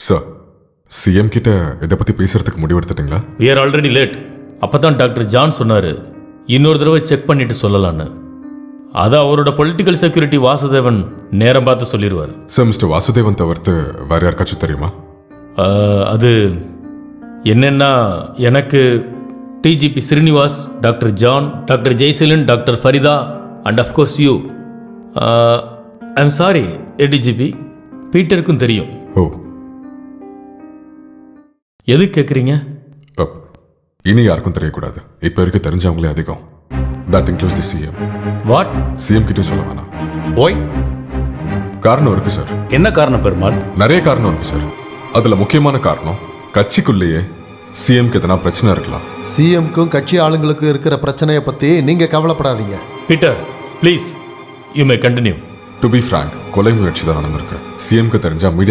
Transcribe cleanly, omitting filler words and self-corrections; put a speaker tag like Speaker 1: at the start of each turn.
Speaker 1: Sir, CM கிட்ட இதை பற்றி பேசுறதுக்கு முடிவெடுத்துட்டீங்களா?
Speaker 2: we are already late. அப்போ தான் டாக்டர் ஜான் சொன்னார் இன்னொரு தடவை செக் பண்ணிட்டு சொல்லலான்னு. அதை அவரோட பொலிட்டிக்கல் செக்யூரிட்டி வாசுதேவன் நேரம் பார்த்து சொல்லிடுவார்.
Speaker 1: சார், மிஸ்டர் வாசுதேவன் தவிர்த்து வேற யாருக்காச்சும் தெரியுமா?
Speaker 2: அது என்னென்னா, எனக்கு DGP Srinivas, doctor John, doctor Jeyaseelan, doctor Farida and of course you. I'm sorry ADGP, பீட்டருக்கும் தெரியும்.
Speaker 1: ஓ,
Speaker 2: எது கேட்குறீங்க?
Speaker 1: இனி யாருக்கும் தெரியக்கூடாது. இப்போ இருக்க தெரிஞ்சவங்களே அதிகம். That includes the CM.
Speaker 2: What?
Speaker 1: CM கிட்டே சொல்ல வேணாம்.
Speaker 3: ஓய்,
Speaker 1: காரணம் இருக்கு சார்.
Speaker 3: என்ன காரணம் பெருமாள்?
Speaker 1: நிறைய காரணம் இருக்கு சார். அதுல முக்கியமான காரணம், கட்சிக்குள்ளேயே சிஎம்க்கு எதனா பிரச்சனை இருக்கலாம்.
Speaker 4: சிஎம்க்கும் கட்சி ஆளுங்களுக்கும் இருக்கிற பிரச்சனையை பற்றி நீங்கள் கவலைப்படாதீங்க.
Speaker 2: Peter please, you may continue.
Speaker 1: To be frank, கொலை முயற்சி தான் நடந்திருக்கு. சிஎம்க்கு தெரிஞ்சா மீடியா